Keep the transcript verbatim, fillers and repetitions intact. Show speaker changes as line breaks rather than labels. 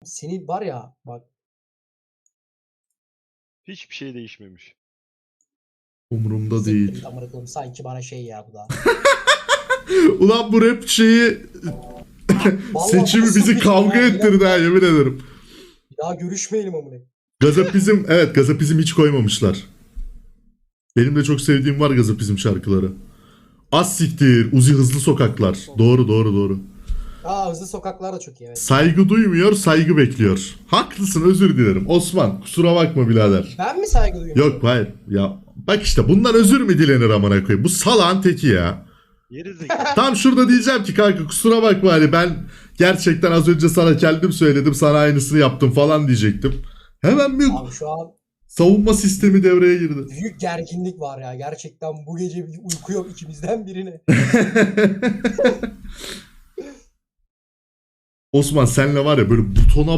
seni var ya bak.
Hiçbir şey değişmemiş.
Umurumda
Siktir
değil.
git amına koyayım. Sanki bana şey ya bu da.
Ulan bu rap şeyi
Vallahi
seçimi
nasıl
bizi
bir
kavga
şey ya?
ettirdi ha, yemin ederim.
Ya görüşmeyelim amına.
Gazapizm, evet Gazapizm hiç koymamışlar. Benim de çok sevdiğim var Gazapizm şarkıları. Az siktir, Uzi Hızlı Sokaklar. Doğru doğru doğru.
Aa hızlı sokaklar da çok iyi evet.
Saygı duymuyor, saygı bekliyor. Haklısın, özür dilerim. Osman, kusura bakma birader.
Ben mi saygı duyuyorum?
Yok hayır. Ya bak işte bundan özür mü dilenir amına koyayım? Bu salağın teki ya.
Yeri zekalı.
Tam şurada diyeceğim ki kanka kusura bakma hani ben gerçekten az önce sana kendim söyledim, sana aynısını yaptım falan diyecektim. Hemen bir
Abi şu an
savunma sistemi devreye girdi.
büyük gerginlik var ya. Gerçekten bu gece bir uyku yok ikimizden birine.
Osman senle var ya böyle butona